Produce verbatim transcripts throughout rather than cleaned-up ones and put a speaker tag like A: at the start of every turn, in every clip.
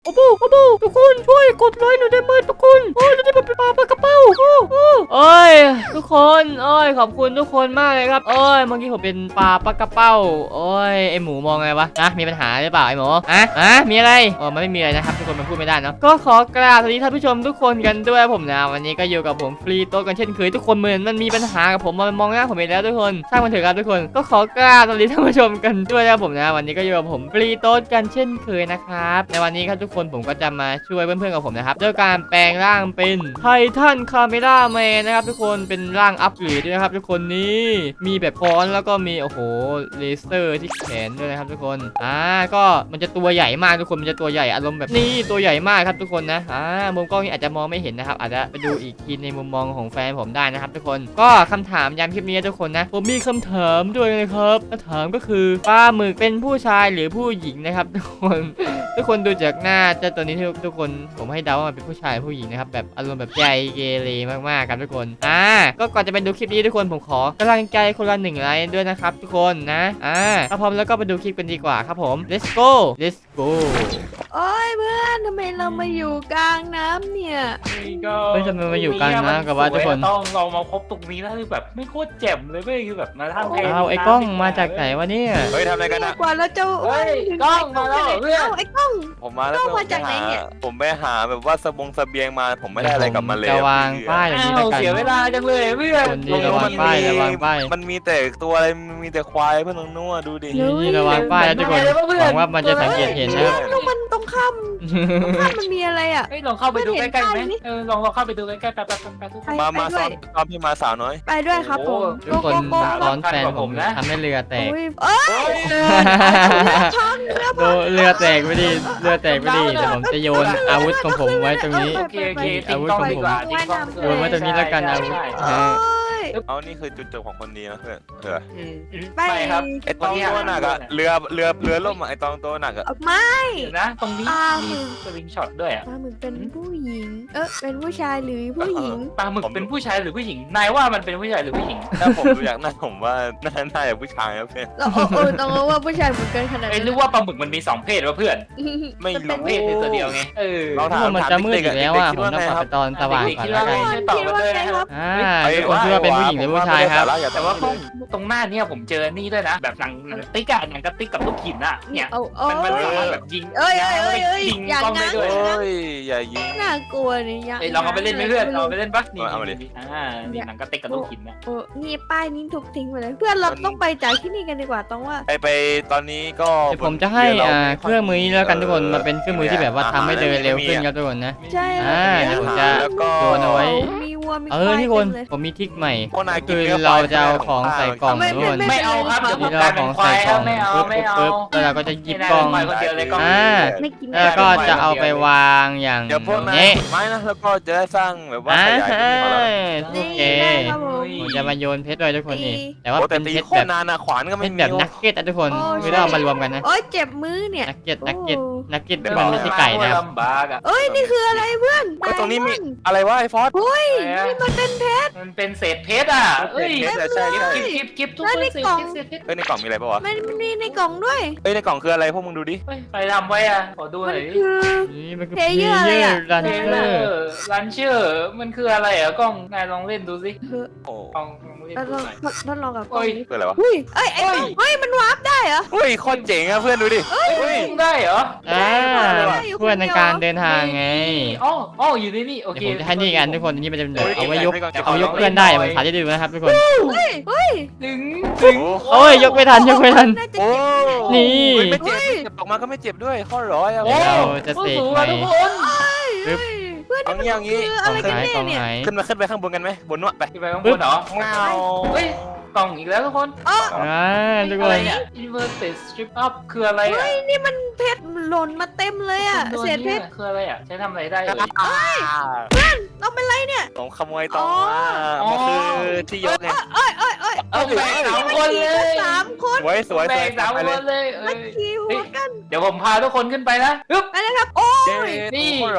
A: โอ้โหโอ้โหทุกคนช่วยกดไลค์หน่อยได้ไหมทุกคนโอ้ยนี่มันเป็นปลาปลากระเป้าโอ้โหโอ้ยทุกคนโอ้ยขอบคุณทุกคนมากเลยครับโอ้ยเมื่อกี้ผมเป็นปลาปลากระเป้าโอ้ยไอหมูมองไงวะนะมีปัญหาหรือเปล่าไอหมูอะอะมีอะไรอ๋อมันไม่มีอะไรนะครับทุกคนมันพูดไม่ได้เนาะก็ขอกราบสวัสดีท่านผู้ชมทุกคนกันด้วยผมนะวันนี้ก็อยู่กับผมฟรีโต๊ะกันเช่นเคยทุกคนเหมือนมันมีปัญหากับผมมันมองหน้าผมอีกแล้วทุกคนช่างมันเถอะครับทุกคนก็ขอกราบสวัสดีท่านผู้ชมกันด้วยนะผมนะวันนี้ก็อยู่กับผมฟรีโต๊ะกันเช่นเคยนะครับในวันนี้ครับทุกคนผมก็จะมาช่วยเพื่อนๆกับผมนะครับด้วยการแปลงร่างเป็นไททันคาเมล่าแมนนะครับทุกคนเป็นร่างอัปเกรดด้วยนะครับทุกคนนี้มีแบบค้อนแล้วก็มีโอ้โหเลเซอร์ที่แขนด้วยนะครับทุกคนอ่าก็มันจะตัวใหญ่มากทุกคนมันจะตัวใหญ่อารมณ์แบบนี้ตัวใหญ่มากครับทุกคนนะอ่ามุมกล้องนี้อาจจะมองไม่เห็นนะครับอาจจะไปดูอีกทีในมุมมองของแฟนผมได้นะครับทุกคนก็คำถามยามคลิปนี้ทุกคนนะผมมีคำถามด้วยนะครับคำถามก็คือปลาหมึกเป็นผู้ชายหรือผู้หญิงนะครับทุกคนทุกคนดูจากหน้าเจ้าตัวนี้ทุกคนผมให้เดาว่ามันเป็นผู้ชายผู้หญิงนะครับแบบอารมณ์แบบใจเกเรมากๆครับทุกคนอ่าก็ก่อนจะไปดูคลิปนี้ทุกคนผมขอกำลังใจคนละหนึ่งไลค์ด้วยนะครับทุกคนนะอ่าถ้าพร้อมแล้วก็ไปดูคลิปกันดีกว่าครับผม let's go let's go
B: โอ้ยเพื่อนทำไมเรามาอยู่กลางน้ำเนี่ย
C: นี่ก็
A: เฮ้ยทำไมมาอยู่กลางน้ำกับว่าทุกคน
C: ต้องเรามาพบตรงนี้แล้วคือแบบไม่โคตรเจ็บเลยเว้ยคือแบบมาทำ
A: เอาไอ้กล้องมาจากไหนวะเนี่ย
D: เฮ้ยทำอะไรกันอะ
B: กว่าเราจะ
C: เฮ้ยกล้องมาแล้วเพื่อน
B: เอ้าไอ้กล้อง
D: ผมมาแล้ว
B: ต้องมาจากไหนเนี่ย
D: ผมไปหาแบบว่าสบงเสบียงมาผมไม่ได้อะไรกลับมาเลย
A: จะวางป้ายอย่างนี้แล้ว
C: อ้าว
A: กัน
C: เสียเวลาจังเลยเพื่อน
A: คนดีระวังป้ายระวังป้าย
D: มันมีแต่ตัวอะไรมันมีแต่ควายเพื่อนน้องนัวดูดิ
A: นี่ระวังป้ายนะทุกคนหวังว่ามันจะสังเกตเห็นนะครับ
B: แล้วมันตรงข้ามตรงข้ามมันมีอะไรอ่ะ
C: เฮ้ยลองเข้าไปดูใกล้ๆไหม
B: เห็นป้ายนี่
C: เออลองลองเข้าไปดูใกล้ๆแป๊บๆแป๊บๆทุกคน
D: มามา
B: ไป
D: ซ้
B: ด้
D: อ
B: วน ย
D: ซ้อมพี่มาสาวน้อย
B: ไปด้วยครับผม
A: ทุกคน
B: โกโก้
A: ซ้อนแฟนผมทำให้เรือแตก
B: โอ้ยเอ้ยท้องเรือ
A: โดเรือแตกไม่ดีเรือแตกไม่ดีเดี๋ยวผมจะโยนอาวุธของผมไว้ตรงนี้
C: โอเคโอเคทิ้งกล้องดีกว่าทิ้งกล้อง
A: โยนไว้ตรงนี้แล้วกันอาวุธ
C: ใช่
B: โอ้
C: ใช่
B: ย
D: เอานี่คือจุดจบของคนดีนะเพื่อนเออ
C: อืม
B: ไป
C: ไม่ครับ
D: ไอตองตัวหนักอะเรือเรือเรือล่มอะไอตองตัวหนักอะ
B: ออกมา
C: เดี๋ยวนะตรงนี้
B: ปลาหมึ
C: มี
B: ก
C: สวิงช็อตด้วยอ่ะ
B: ปลาหมึกเป็นผู้หญิง เออเป็นผู้ชายหรือผู้หญิง
C: ปลาหมึกเป็นผู้ชายหรือผู้หญิงนายว่ามันเป็นผู้ชายหรือผู้หญิง
D: ถ้าผมดูอยากหน้าผมว่าน่าน่าจะผู้ชายนะเพื่อน
B: เราเออเออต้องรู้ว่าผู้ชายเหมือนกันขนาด
C: ไอ้
B: นั้น
C: รู้ว่าปลาหมึกมันมีสองเพศวะเพื่อน
D: ไม่
C: สอง
D: รู้
C: เพศในตัวเดียวไงเออ
D: เรา
A: ทุกคนมันจะมืดอีกแล้วอ่ะผมต้องปรับไปตอนสว่างก่อนแล้วกัน
C: ช่วยตอบกันด้วยนะครับ
A: อ่าทุกคนคิดว่าเป็นผู้หญิงหรือผู้ชายครับ
C: แต่ว่าตรงหน้าเนี่ยผมเจอนี่ด้วยนะ แบบหนังหนังติ๊กอะหนังกระติ๊กกับลูกหินอะเนี่ย
B: เอาเอา
C: มันมันสามารถแบบยิง
B: เอ้ยเอ้ยเอ้ยเอ้ย
C: ยิง
B: อย่าง
C: กล้อง
B: นั้
C: ได้
B: น
C: ด้วย
D: เฮ้ยอย่ายิง
B: น่ากลัวเนี่ยยัง
C: เอ้ยลองเอาไปเล่นไหมเพื่อนเอาไปเล่นปะนี่
D: เอามาดิ
C: อ่านี่หนังกระติ๊กกับลูกหินนะ
B: โอ้นี่ป้ายนี้ถูกทิ้งไปเลย เพื่อนเราต้องไปจากที่นี่กันดีกว่าต้องว่า
D: ไปไปตอนนี้ก็
A: เดี๋ยวผมจะให้อ่าเครื่องมือนี้แล้วกันทุกคนมาเป็นเครื่องมือที่แบบว่าทำให้เดินเร็วขึ้นครับทุกคนนะ
B: ใช่
A: อ่าเดี๋ยวผมจะ
D: แล้วก็
A: โยนเอาไว้
B: มีวัวมี
A: เอ
B: ควา
A: อย ทุกคน
B: เต็มเลย
A: ผมมีทริคใหม่
D: พวกนายกิ
A: คื
D: น
A: อ
D: นื้
A: เรา
D: คว
A: จะเอาของใส่กล่อง
B: ไม่
A: ทุกคน
C: ไม่เอาครับเดี๋ยวผม
A: นี่
C: กลา
A: เรา
C: ย
A: ข
C: เป็
A: อน ง
C: ควา
A: ใส่
C: ย
A: ก
C: ค
A: ล่
C: รั
A: อบ ง
C: ไม่เอา
A: ปึ๊บ
C: ไม่
A: ปึ๊บ
C: เอา
A: ปึ๊บแล้วเราก็จะหยิบ
C: ไม่
A: กล่อง
C: ได้คนเดียวเลยกล้อง
A: อ่า
B: ไม่กิน
A: แล้วก็จะเอาไปวางอย่าง
D: เดี๋ยวพวกนาย
A: นี้
D: ขุดไม้นะแล้วก็จะได้สร้างแบบว่า
A: อ่า
D: ขยายพื้นที่ของเรา
A: โอเค
B: ได้ครับผม
A: ผมจะมาโยนเพชรด้วยทุกคนนี่แต่ว่า
D: โอ้แต่
A: เป็น
D: ตี
A: เพชร
D: โค
A: แบ
D: ต
A: บ
D: รนานนะขวานก็
A: เพ
D: ไม่
A: ชร
D: มี
A: แบบนักเก็ตอะทุกคนไม่ต้องเอามารวมกันนะ
B: โอ้ยเจ็บมือเนี่ย
A: นักเก็ตนักเก็ต
B: โอ้
A: นักเก็ตที่มันไม่ใช่ไก่นะครับ
C: ลำบากอะ
B: เอ้ยนี่คืออะไรเพื่อน
D: เฮ้ยตรงนี้มีอะไรวะไอ้ฟอส
B: เฮ้ยนี่มันเป็นเพชร
C: มันเป็นเศษเพชรอ่ะเอ้ย
D: เพชรอะใช่ใช่
C: กิบกิบกิบทุก
B: แล้ว
C: คน
B: ใน
C: เศษ
B: กล่อง
C: เศษเพชร
D: เฮ้ยในกล่องมีอะไรปะวะ
B: มันมีในกล่องด้วย
D: เฮ้ยในกล่องคืออะไรพวกมึงดูดิ
C: เฮ้ยใครทำไว้อ่ะขอดูห
B: มั
C: น่
B: น
C: อยดิ
B: คือ
A: นี่มันคือ
B: เพลเยอร์อะไรอะ
A: รัน
C: เท
A: เช
C: เล
A: อ
C: อ
A: ร์
C: ร์ลันเชอร์มันคืออะไรอ่ะกล้องนายลองเล่นดูสิ
B: เฮ้ย
D: โอ้
C: ลองลองเล่น
B: เรา
C: ดู
B: ลอง
C: หน่อย
B: ทดลองกับกล่
C: โอ้
B: อง
C: ย
B: นี้
D: คืออะไรวะ
B: เฮ้ยเอ้ยไอ้
C: เฮ้ย
B: เฮ้ยมันวาร์ปได้เหรอ
D: เฮ้ยโคตรเจ๋งอะเพื่อนดูดิ
C: เฮ้ยได้เหรอ
A: อ่าเพื่อนในการเดินทางไง
C: อ๋ออ๋ออยู่ในนี่โอ
A: เดี๋ยว
C: เค
A: ผมจะให้นี่กันทุกคนอันนี้มันจะเป็นแบบ
D: เฮ้ย
A: เอาไว้ยก
D: เดี๋ยว
A: เอาไว้ยกเพื่อนได้ผมสาธิตให้ดูนะครับทุกคน
B: เฮ้ยเฮ้ย
C: ถึงถึง
A: โอ้ยยกไม่ทันยกไม่ทัน
B: น่าจะ
D: โอ้
B: เจ็บ
A: นี่
D: เฮ้ยไม่เจ็บไม่เจ็บออกมาก็ไม่เจ็บด้วยข้อร้อยอะ
C: โอ้
A: เราจะเสก
C: สูง
A: ใหม่
C: อะทุกคน
A: ปึ๊บ
B: เพื่อน
D: เอางี้เอางี้
B: คือ
A: ก
B: อะ
A: ล่อง
B: ไรกัน
A: ไหน
B: แน่
A: กล่อง
B: เนี่ย
A: ไหน
D: ขึ้นมาขึ้นไปข้างบนกันไหมบนนู้นไป
C: ขึ้นไปข้างบนเหรอ
D: เงา
C: เฮ้ยกล่องอีกแล้วทุกคน
B: อ๋อ
A: อ่าทุกค
C: อะไร
A: น
C: เนี่ย inverted strip up คืออะไรอ่ะ
B: เฮ้ยนี่มันเพชรหล่นมาเต็มเลยอ่ะ
C: ตัว
B: เศษเพ
C: นี้
B: ชร
C: คืออะไรอ่ะใช้ทำอะไรได้เลย
B: เราเป็นไรเนี่ย
D: ผมขโมยตองมามันคือที่ยกไง
B: เอ้ยเอ้ยเอ้ย
C: เอาแบ่งสามคนเลย
B: สามคน
D: สวยสวยส
C: แบ่
D: วย
C: งสาม
D: ไป
C: ค
D: เลย
C: นเลยเอ้
B: มาย ขี่หัวกัน
C: เดี๋ยวผมพาทุกคนขึ้นไปนะปึ๊บ
B: ไปเลยครับ โอ้
D: เย้
B: ย
C: นี่
D: ข้อร้อยอะ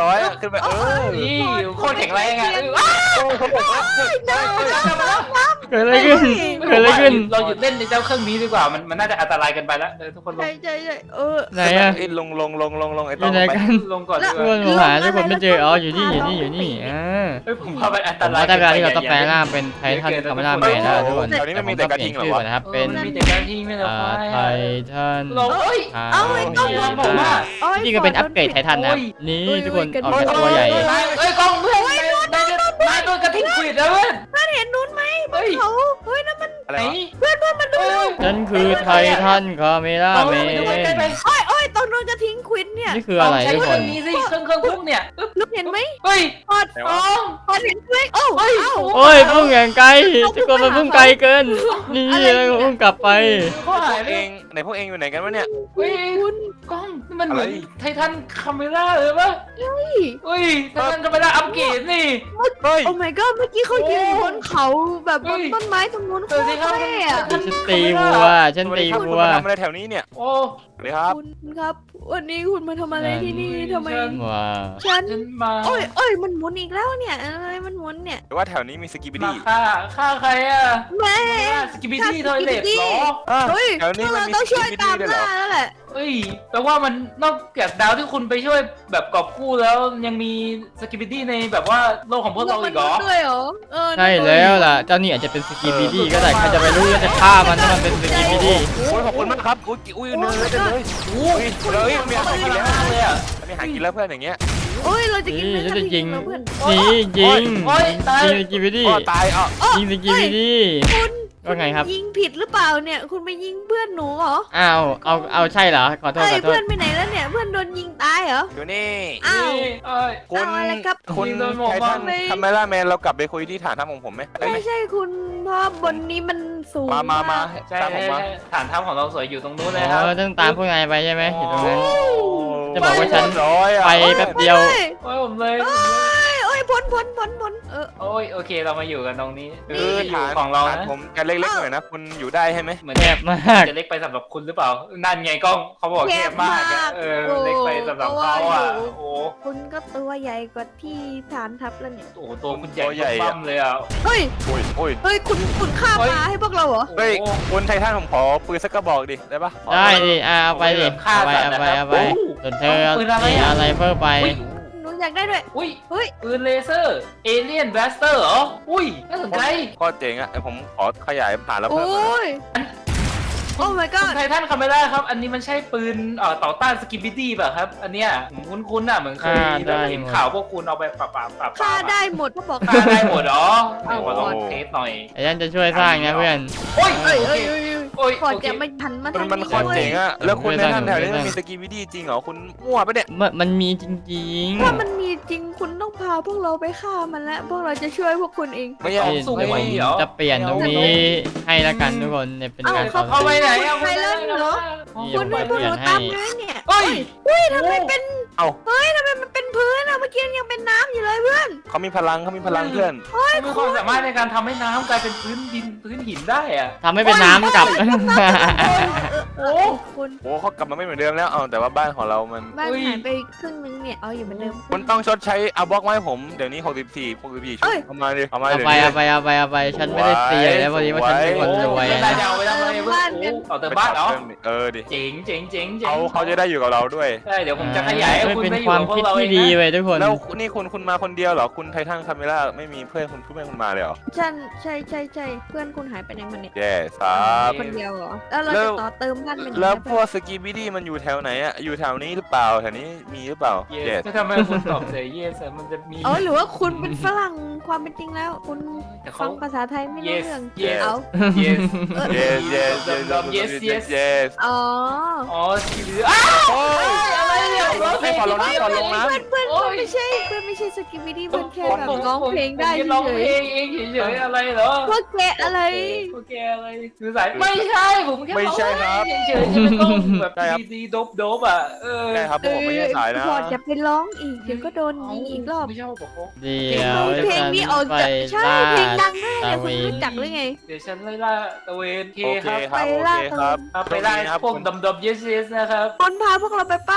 D: ขึ้นไปเออ
C: นี่โคตรแข็งแรงอ่ะ
D: โอ้เขาบอกว่า
A: เกิดอะไรขึ้นเกิดอะไรขึ้น
C: เราหยุดเล่นในเจ้าเครื่องนี้ดีกว่ามันมันน่าจะอันตรายกันไปแล้วเออทุกคนลง
B: ใช่ใช่ใช่เออ
A: ไหนอะ
D: ไอ้ลงลงลงลงลงไอ้
A: อ
D: ต้อยู่ ง
A: ไหน
D: ไป
A: กัน
C: ลงก่อนดี
A: ทุก
C: ก
A: ค
C: ว่าน
A: ผมหาทุกคนไม่เจออ๋ออยู่นี่อยู่นี่อยู่นี่อ่า
C: เฮ้ยผมพาไปอัน
A: ผ
C: ต
A: ม
C: ราย
A: ว่าได้เวลาที่เราต้องแปลงร่างเป็นไททันคาเมล่าแมนแล้วทุกคน
D: แถวนี้ไม่มีแต่กระทิงเหรอวะ
A: นะครับ
C: เป็
A: เป็น น
C: มีแต่การทิ้งไม่ได้
A: อ่า
C: ควาย
A: ไททัน
C: เราเอ้ย
B: เอาไอ้กล้อง
C: ยบอกว่า
A: จริงๆก็เป็นอัปเกรดไททันนะครับนี่ทุกคนออกจากตัวใหญ่
C: เอ้ยกล้องเพื่อนนายนายนายโดนกระทิงขวิดแล้วเพื่อน
B: นั่นเห็นนู้นไหมบนเขาเฮ้ยนั่นมัน
D: อะไร
C: ไหน
D: วะ
B: เพื่อนเพื่อนมันดู
A: ฉันคือไททันคาเมล่า
C: เอา
A: แม
C: ไปดูใกล้
A: น
C: ไป
B: โอ้ยโอ้ยตรงนู้นกระทิงควินเนี่ย
A: นี่คืออะไร
C: ใช้
A: ทุก
C: เค
A: ค
C: รื่อน งนี้สิเครื่องเครื่องพุ่งเนี่ย
B: ลูกเห็นไหม
C: เฮ้ย
B: พอด
D: ไหน
C: ก
D: วะ
C: ล้อง
B: พอดเห็นไหมโอ้
C: เฮ้ย
B: เอ้า
A: โอ้ยพุ่งอย่างไกลทุกคนมันพุ่งไกลเกินนี่แล้วก็พุ่งกลับไป
C: เขา
D: พ
C: หา
D: วย ก
C: ไป
D: เองไหนพวกเองอยู่ไหนกันวะเนี่ย
C: เฮ้ย
B: คุณ
C: กล้องนี่มันเหมือน
D: อะไร
C: ไททันคาเมล่าเลยปะ
B: เฮ้ย
C: เฮ้ยไททันคาเมล่าอัปเกรดนี่
D: เฮ้ย
B: โอ้ my god เมื่อกี้เขายืนบนเขาแบบบ
C: เฮ้
B: น
C: ย
B: ต้นไม้ตรงนู้นโค
C: เออ
B: ต
C: สิ
B: ร
C: ครับ
B: เท่อะ
A: ฉันตีวัวฉัน
D: สวัส
A: ตี
D: ดีครับ
A: วั
D: คุณ
A: ว
D: มาทำอะไรแถวนี้เนี่ย
C: โอ้
D: สวัสดีครับ
B: คุณครับ วันนี้คุณมาทำอะไรที่นี่ทำไม
A: ว้าว
B: ฉัน
C: ฉันมา
B: โอ้ยโอ้ยมันหมุนอีกแล้วเนี่ยอะไรมันหมุนเนี่ย
D: หรือว่าแถวนี้มีสกีบิ
C: มา
D: ดี้
C: ฆ่าฆ่าใครอ่ะ
B: แม่
C: สกิบิตี้ทอยเล็ตเหรอ
D: อ่ะ
B: เฮ้ย
D: แถวนี้
B: พวก
D: มัน
B: เรา
D: มี
B: ต้อง
D: ส
B: ช่วย
D: กีบิ
B: ตา
D: ดี้
B: ม
D: ด้วยเหร
B: ล่า
D: อ
B: แล้วแหละ
C: เฮ้ยแปลว่ามันนอกจากดาวที่คุณไปช่วยแบบกอบกู้แล้วยังมีสกิบิตี้ในแบบว่าโลกของพวกเราอีกเหรอ
B: ด้วยเหรอเออ
A: ใช่แล้วล่ะเจ้านี่อาจจะเป็นสกีบีดี้ก็ได้ใครจะไปรู้ว่าจะฆ่ามันถ้ามันเป็นสกีบีดี้
D: โอ้ยขอบคุณมากครับอุ้ยอุ้ยเนื้อเต็มเลยอุ้ยเฮ้ยมีอาหารกินแล้ว
C: เลยอ่ะ
D: มีอาหารกินแล้วเพื่อนอย่างเงี้ย
B: โอ้ยเราจะกิน
A: นี่
B: เนื้อ
A: ฉันจะยิง
B: กระทิงเหรอเพื่อน
A: นี่ยิง
C: โอ้ยตาย
A: ยิงสกีบีดี้
D: อ๋อตายอ่ะ
A: ยิงสกีบีดี้
B: คุณ
A: ว่าไงครับ
B: ยิงผิดหรือเปล่าเนี่ย คุณไปยิงเพื่อนหนูเหรอ
A: อ้าวเอาเอาใช่เหรอขอโทษ
B: เอ้ย
A: ขอโท
B: เพื่อ
A: ษ
B: นไปไหนแล้วเนี่ยเพื่อนโดนยิงตายเหรอ
D: อยู่นี่
B: อ้าว
C: นี่เอ้ย
D: คุณ
B: เอาอะไรครับ
D: คุณ
C: ยิงโดนหมวก
D: ไททัน
B: ไม่
D: ทำไมล่ะแมนเรากลับไปคุยที่ฐานทัพของผมไหมได้ไหม
B: ไม่ใช่คุณเพราะบนนี้มันสูง
D: มามามา
C: ใช่
D: ตามผมมา
C: ฐานทัพของเราสวยอยู่ตรงนู้นเลย
A: อ๋
C: ครับ
A: อต้องตามพวกนายไปใช่ไหมอยู่ตรงนั้น
C: โอ้
A: จะบอกว่าฉัน
D: ร้อยอ่ะ
A: ไปแป๊บเดียว
B: เฮ้ย
C: โอ้ยผมเลย
B: เอ้ยโอ้ยพ้นพ้นพ้นพ้นเออ
C: โอ้ยโอเคเรามาอยู่กันตรงนี้
D: คื
C: คือ
D: อ
C: ที่อยู่
D: ฐาน
C: ของเรา
D: ฐาน
C: นะ
D: ผมจะเล็กๆหน่อยนะคุณอยู่ได้ใช่ไหม
C: เหมือน
A: แค
C: แค่
A: บมาก
C: จะเล็กไปสำหรับคุณหรือเปล่า นั่นไงกล้องเขาบอกแคบมากอะเออเล็กไปสำหรับเขาอ่ะโอ้โห
B: คุณก็ตัวใหญ่กว่าที่ฐานทัพแล้วเนี่ย
C: โอ้โหตัวคุณใหญ่ปั้มเลยอ่ะ
B: เฮ้ย
D: โอ้ยโอ้ย
B: เฮ้ยคุณคุณฆ่า
C: เฮ้
B: ป
C: ย
B: ลาให้พวกเราเหรอ
D: เฮ้ยคุณไททันผมขอปืนสักกระบอกดิได้ปะ
A: ได้ดิอ่ะเอาไปดิเอาไปเอาไปเอาไปส่วนเธอมีอะไรเพิ่มไป
C: อุ้ย
B: หนูอยากได้ด้วย
C: อุ้ย
B: เฮ้ย
C: ปืนเลเซอร์เอเลียนแบสเตอร์เหรออุ้ยน่าสนใจ
D: ก็เจ๋งอ่ะเดี๋ยวผมขอขยายฐานแล้ว
B: โอ
D: เพิ่มหน่อย้
B: ย โอ้ my
C: คุ
B: god
C: ณไททันคาเมล่าครับ อันนี้มันใช่ปืนเอ่อต่อต้านสกิบิตี้ป่ะครับ อันเนี้ยผมคุ้นๆน่ะเหมือนเคย
A: อ่าได้
C: เห็นข่าวพวกคุณเอาไปปราบปราบปราบ
B: ฆ่าได้หมดเขาบอก
C: ฆ่าได้หมดเหรอเอาขอลองเทสหน่อย
A: ไอ้ยันจะช่วยสร้างนะเพื่อน
C: โอ้ย
B: เอ้ย
C: โอ
B: เอ้
C: เค
B: ยเอ้ยเอ้ย
C: โอ้ย
B: ก่อน
C: โอเค
B: จะมาหันมา
D: มัน
B: ทาง
D: มัน
B: นี้
D: โคตร
B: ด้วย
D: เจ๋งอ่ะแล้วคุณ
A: ไม่
D: ไท
A: ได้
D: ทันแถวนี้
A: ไม่ได้
D: มันมีสกีวิดี้จริงเหรอคุณมั่วปะเนี่ย
A: มันมันมีจริง
B: ถ้ามันมีจริงคุณต้องพาพวกเราไปฆ่ามันแล้ว พวกเราจะช่วยพวกคุณเอง
D: ไม่
A: ๆ
D: ใช่
A: เดี๋ยวผมจะเปลี่ยนตรงนี้ให้ละกันทุกคนเนี่ยเป็นการ
B: เอา
A: ต่อ
C: เอาไป
A: สู้
C: ไหนเอา
B: ไปแล้วเหรอ
A: นี่
B: คุณ
A: ผ
B: ให้
A: ม
B: พวก
A: เปลี่
B: ห
A: ย
B: นู
A: นให้
B: ตามเลยเนี่ย
C: เฮ้ย
B: เฮ้ยทำไมเป็น
D: เอ้า
B: เฮ้ยทำไมมันเป็นพื้นอะเมื่อกี้ยังเป็นน้ำอยู่เลยเพื่อน
D: เขามีพลังเขามีพลังเพื่อน
C: เขามีความสามารถในการทำให้น้ำกลายเป็นพื้นดินพื้นหินได้อะ
A: ทำให้เป็นน้ำกลับ
B: โอ้คุณ
D: โอ้เขากลับมาไม่เหมือนเดิมแล้วเอาแต่ว่าบ้านของเรามัน
B: บ้านหายไปครึ่งนึงเนี่ยเอาอยู่เหมือนเดิม
D: คุณต้องชดใช้เอาบล็อกมาให้ผมเดี๋ยวนี้หกสิบสี่ หกสิบสี่ชุ
B: เอ้
D: ด
B: ย
D: เอามาดิเอามา
A: เอา
D: เดี๋ยว
A: ไป
D: นี้
A: เอาไปเอาไปเอาไปฉันไม่ได้ตีเลยนะพอดีว่าฉันเป็นคนรวย
C: ไม่
A: นะ
C: ได้จะเอาไปทำอะไรเพื่อนเอาเติมบ้านเหรอ
D: เออดิ
C: เจ๋งเจ๋งเจ๋งเจ๋ง
D: เขาเขาจะได้อยู่กับเราด้วย
C: ใช่เดี๋ยวผมจะขยายให้คุณ
A: เป็น
C: ไปอ
A: ค
C: ยู่
A: วาม
C: กับพว
A: คิ
C: ก
A: ด
C: เราเอ
A: ที่
C: ง
A: ดี
C: นะ
A: เว้ยทุกคน
D: แล้วนี่คุณคุณมาคนเดียวเหรอคุณไททันคาเมล่าไม่มีเพื่อนคุณเพื่อนคุณมาเลยเหรอ
B: ฉันใช่ใช่ใช่เพื่อนคุณหายไปไหนมาเนี่ย
D: แย่สาบ
B: คนเดียวเหรอแล้วเรา
D: แล้
B: จะ
D: ว
B: ต่อเติมบ้านเป็นยังไง
D: แล้วพ
B: เพื่
D: ว
B: อก น
D: สกีบิดี้มันอยู่แถวไหนอะอยู่แถวนี้หรือเปล่าแถวนี้มีหรือเปล่า
C: เย
D: แย่
C: สทำไมคุณตอบเสียเยสมันจะมี
B: เออหรือว่าคุณเป็นฝรั่งความเป็นจริงแล้ว คุณ
C: แต่เขา
B: ฟังภาษาไทยไม่รู้
C: yes
B: เรื่อง
C: yes
B: เอา
C: yes
D: yes yes
C: yes yes
D: yes
B: อ๋อ
C: อ๋อสกิบิอ้าว
D: โอ้ย
C: อะไรเนี่ยร้องเพลง
D: ขอลงน้ำขอลงน้ำ
B: เพื่อนเพื่อน
C: โอ้ย
B: ไม่ใช่เพื่อนไม่ใช่สกิบิดี้เพื่อนแค่แบบ
C: ผม
B: ร้องเพลงได้
C: ผมร้อง
B: เฉ
C: เพ
B: ย
C: ลงเองเฉยๆอะไรเหรอ
B: ๆพวกแกอะไร
C: โอเคอะไรคือสายไม่ใช่ผมแค่
D: ไม่ใช่ครับ
C: เฉยๆจะไม่ต้องแบบ
D: ใช่ครับ
C: ดีๆโดบๆอ่ะเออ
D: ใช่ครับผมไม่ใช่สายนะ
B: พอจะไปร้องอีกเดี๋ยวก็โดนยิงอีกรอบ
C: ไม่ชอบบอกเขา
A: เดี๋ยว
B: เพลงนี้ออก
A: ไป
B: จากใช่
A: ล่า
B: เพลงดังมากเลย
A: ตะ
B: คุ
A: เว
B: ณ
A: น
B: รู้จักหรือไง
C: เดี๋ยวฉันไล่ล่าตะเวนเค
D: โอเค
C: ครับ
D: ครับโอเคครับ
C: เอาไปไล่พวกดำๆเยสๆนะครับ
B: คนพาพวกเราไปเปล่า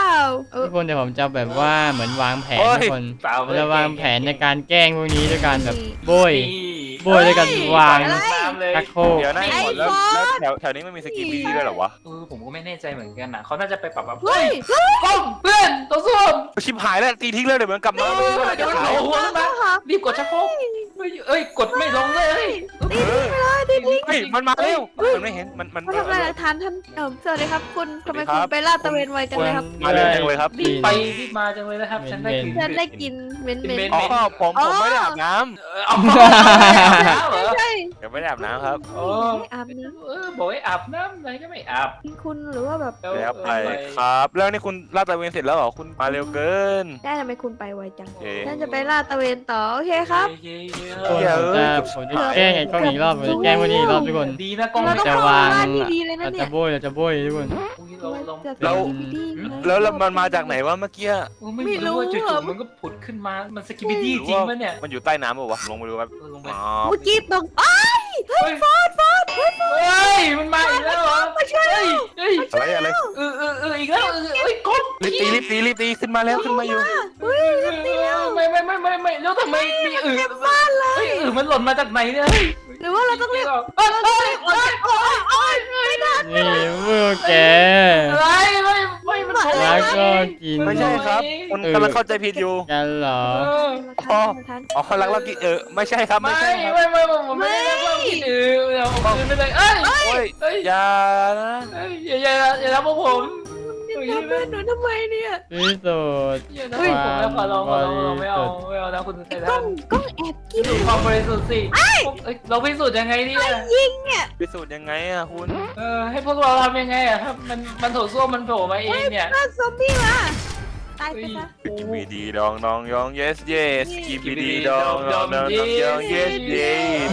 B: เออ
A: ทุกคนเดี๋ยวผมจะแบบว่าเหมือนวางแผนทุกคน
C: เปล่า
A: เราจะวางแผนในการแกล้งพวกนี้ด้วยการแบบโบย
C: นี่
A: โบยด้วยกันวาง
B: อะไร
C: ตามเลย
A: ชักโครก
D: เดี๋ยวนะ
B: ไอ้
D: หมดแล้ว
B: ฟอส
D: แล้วแถวแถวนี้ไม่มีสกีบีด้วยเหรอวะ
C: เออผมก็ไม่แน่ใจเหมือนกันนะเขาน่าจะไปปรับแบบ
B: เฮ้ย
C: กล้องเพื่อนตัวส้วม
D: ชิบหายแล้วตีทิ้งเลยเดี๋ยวมันกลับมา
C: เออเดี๋ยวมันโผล่หัวขึ้นมารีบกดชักโครกเฮ้ยเอ้ยกดไม่ลงเลย
B: ตีทิ้งไปเลยตีทิ้ง
D: เฮ้ยมันมาเร็วมันไม่เห็นมันมัน
B: มาทำลายหลักฐานท่านเออสวัสดีครับคุณทำไม
D: สวัสดีครั
B: คุณ
D: บ
B: ไปลาดตระเวนไวจังเลยครับ
D: มาเร็วจังเลยครับ
C: รีบไปรีบมาจังเลยนะครับฉันได้กลิน
B: ฉันได้กินเหม็นเหม็น
C: เป็น
D: อ๋อผมผมไม่ได้อาบน้
C: เอาแล้วเหรอ
B: ใช่
D: ำยังไม่ได้อาบน้ำครับ
C: โอ้
B: ไม่อาบน้
C: เออบอกให้อาบน้ำอะไรก็ไม่อาบ
B: ำคุณหรือว่าแบบ
D: แล้วไปครับ แล้วนี่คุณลาดตระเวนเสร็จแล้วเหรอคุณมาเร็วเกิน
B: ได้ทำไมคุณไปไวจัง
D: เอ๊ะ
B: ฉันจะไปลาดตระเวนต่อโอเคครับ
C: โอเค
A: ทุกคนผมจะผมจะแกล้งไอ้กล้องอีกรอบผมจะแกล้งพวกนี้อีกรอบทุกคน
C: ดีนะกล้อง
B: เรา
C: ไม่
B: ต้อง
C: จะ
B: เข้าว
C: าง
B: บ้านดีๆเลยนะ
A: เรา
B: เนี่
A: จะ
B: ย
A: โบยเราจะโบยทุกคน
C: เราเรา
B: เราดี
D: แล้วแล้วมันมาจากไหนวะเมื่อกี้
C: ไม่รู้ว่าจู่ๆมันก็ผุดขึ้นมา มันสกิบิดี้จริงปะเนี่ย
D: มันอยู่ใต้น้ำเปล่าวะลงไปดูครับ
C: เออลงไป
D: อ๋อ
B: เมื่อกี้ตรงอ้าว
C: เฮ้ยฟอดฟอดเฮ้ยมันมาอีกแล้วเหรอ
B: มาช่วย
C: เฮ้ยเฮ้ย
D: อะไรอะไร
C: เออเออเอออีกแล้วเออเอ้ยกด
D: รีบตีรีบตีรีบตีขึ้นมาแล้วขึ้นมาอยู่
B: เฮ้ย
C: ไม่ไม่ไม่ไม่ไม่แล้วทำไมมีอือ
B: บ้านเลย
C: เฮ้ยอือมันหล่นมาจากไหนเนี่ยเฮ้ย
B: หรือว่าเราต้องเรียก
C: เอ้ยเอ้ยเอ้ย
B: โอ๊ยโอ๊ยไม่ได้
A: นี่พวกแก
C: อะไรไม่ไม่มันโผล่
A: แล้วก็กิน
D: ไม่ใช่ครับคุณกำลังเข้าใจผิดอยู่
A: กันเหรอ
C: เออ
D: อ๋อ อ๋อลักลักกินเออไม่ใช่ครับ
C: ไม่
D: ไม่ใช่ครับ
C: ไม่ไม่ผมไม่ได้เล่ากินอือเดี๋ยวผมคืนไปเลยเอ้ย
D: โอ้ย
C: เฮ้ย
D: อย่านะ
C: เฮ้ยอย่าอย่าอย่าทำพวกผม
B: ทำเพื่อนหนูทำไมเนี่ย
A: ที่สุด
C: อย่าทำพวกผมแล้วขอร้องขอร้องเราไม่เอาไม่เอานะคุณไท
B: กล้
C: ทั
B: อน งกล้องแอบกิน
C: ดูความบริสุทธิ์สิเอ้ยเราพิสูจน์ยังไงเนี่ย
B: ยิงเนี่ย
D: พิสูจน์ยังไงอ่ะคุณ
C: เออให้พวกเราทำยังไงอะถ้ามันมันโถส้วมมันโผล่มาเองเนี่ย
B: น่าซอมบี้มาตายไปซะ
D: กิมบีดีดองดองยอง yes yes กิมบีดีดองดองดองยอง yes yes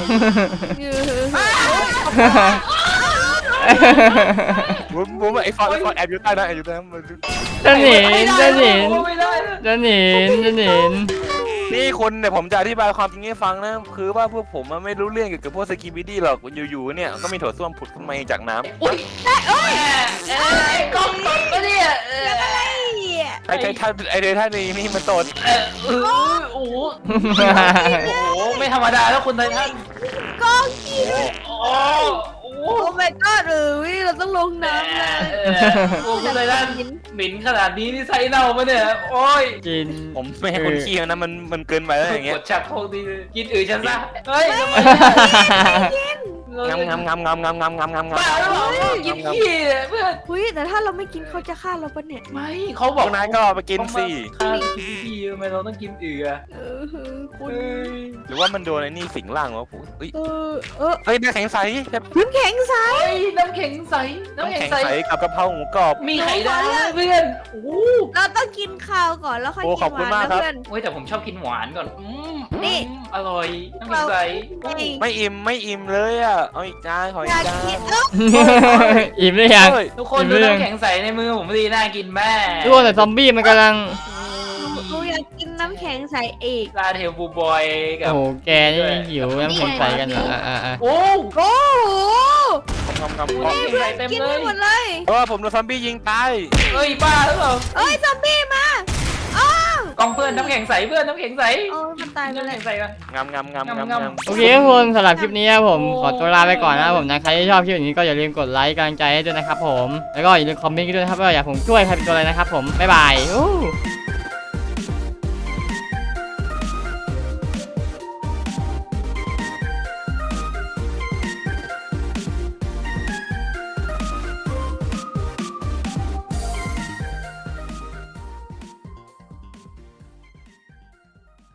D: ผมผมไอ้ฟอนไอ้ฟอนแอบอยู่ใต้นะแอบอยู่ใต้น้ำมัน
A: จะหนีจะหนี
C: ไม่ได้นะ
A: จะหนีจะหนี
D: นี่คนเนี่ยผมจะอธิบายความจริงให้ฟังนะคือว่าพวกผมมันไม่รู้เรื่องเกี่ยวกับพวกสกีบิดี้หรอกอยู่ๆเนี่ยก็มีโถส้วมผุดขึ้นมาเองจากน้ำ
C: อุ้ยเอ้ยเอ้ยกล้องตกปะเนี่ยเออ
D: ไอ้ไททันไอ้ไททันนี่นี่มันตด
C: เออเออโอ้โหโอ้โหไม่ธรรมดาแล้วคุณไททัน
B: กล้องกิน
C: โอ้โห
B: โอ้ my god เออเราต้องลงน้ำนะ
C: เออโอ้คุณไททันหมิ่นขนาดนี้นี่ไส้เน่าปะเนี่ยโอ้ย
A: กิน
D: ผมไม่ให้คนขี้นะมันมันเกินไปแล้วอย่างเงี้
C: ก
D: ย
C: ดชักโครกดีกินอื่นฉันซะเฮ้ยทำไม
D: งามงามงามงามงามงามงามงามงาม
C: บ้าหรือเปล่ากินขี้เนี่ยเพื่อน
B: เฮ้ยแต่ถ้าเราไม่กินเขาจะฆ่าเราปะเนี่ย
C: ไม่เขาบ
D: พ
C: อ
D: ว
C: ก
D: กนายก็ไปกินสิ
C: ข้าวกินดีๆทำไมเราต้องกินเอือ
B: เออคุณ
C: เฮ้ย
D: หรือว่ามันโดนไอ้นี่สิงร่างวะผมเอ้ย
B: เออเออ
D: เอ้ยน้ำแข็งใส
B: น้ำแข็งใส
C: เฮ้ยน้ำแข็งใสน้ำ
D: น้ำ
C: แข็ง
D: แข็ง
C: ใส
D: ใสกับกะเพราหมูกรอบ
C: มีไข่ดาวเพื่อนโอ้โห
B: เราต้องกินข้าวก่อนแล้วค่อย
D: โอ้
B: กิ
D: ขอบ
B: นห
D: คุณ
B: วาน
D: มากครับ
B: นะเพื่อน
C: เฮ้ยแต่ผมชอบกินหวานก่อนอืม
B: นี่
C: อืมอร่อยน้ำแข็งใส
B: นี่
D: ไม่อิ่มไม่อิ่มเลยอ่ะเอาอีกจานขอ
B: อ
D: อี
B: ยาก ก
D: จาน
B: กินเออ
A: อิ่มหรือยัง
D: เฮ้ย
C: ทุกคนดูน้ำแข็งใสในมือผมดีน่ากินแม่
A: ทุกคนแต่ซอมบี้มันกำลัง
B: หนูอยากกินน้ำแข็งใสอีก
C: ลาเทลบูบอยกั
A: โอ้
C: บ
A: โหแกนี่หิวน้ำแข็งใสกันเหรออ่ะอ่ะอ่ะ
C: โอ้
B: โอ้โห
D: งำงำ
C: ดู
D: งำ
C: น้ำแข็งใสเต็ม
B: กิน
C: เล
B: ให้
C: ย
B: หมดเลย
D: เพราะว่าผมโดนซอมบี้ยิงตาย
C: เอ้ยบ้าหรือเปล่า
B: เอ้ยซอมบี้มาอ้าว
C: กองเพื่อนน้ำแข็งใสเพื่อนน้ำแข็งใส
B: โอ้ยมันตายไป
C: น้ำ
B: เล
C: แข็
B: ย
C: งใสกัน
D: งำงำงำงำ
C: งำ
D: งำ
C: งำ
A: โอเคทุกคนสำหรับคลิปนี้ผมขอตัวลาไปก่อนนะครับผมนะใครที่ชอบคลิปนี้ก็อย่าลืมกดไลค์กำลังใจให้ด้วยนะครับผมแล้วก็อย่าลืมคอมเมนต์กันด้วยนะครับว่าอยากผมช่วยใครเป็นตัวอะไรนะครับผมบ๊ายบายอู้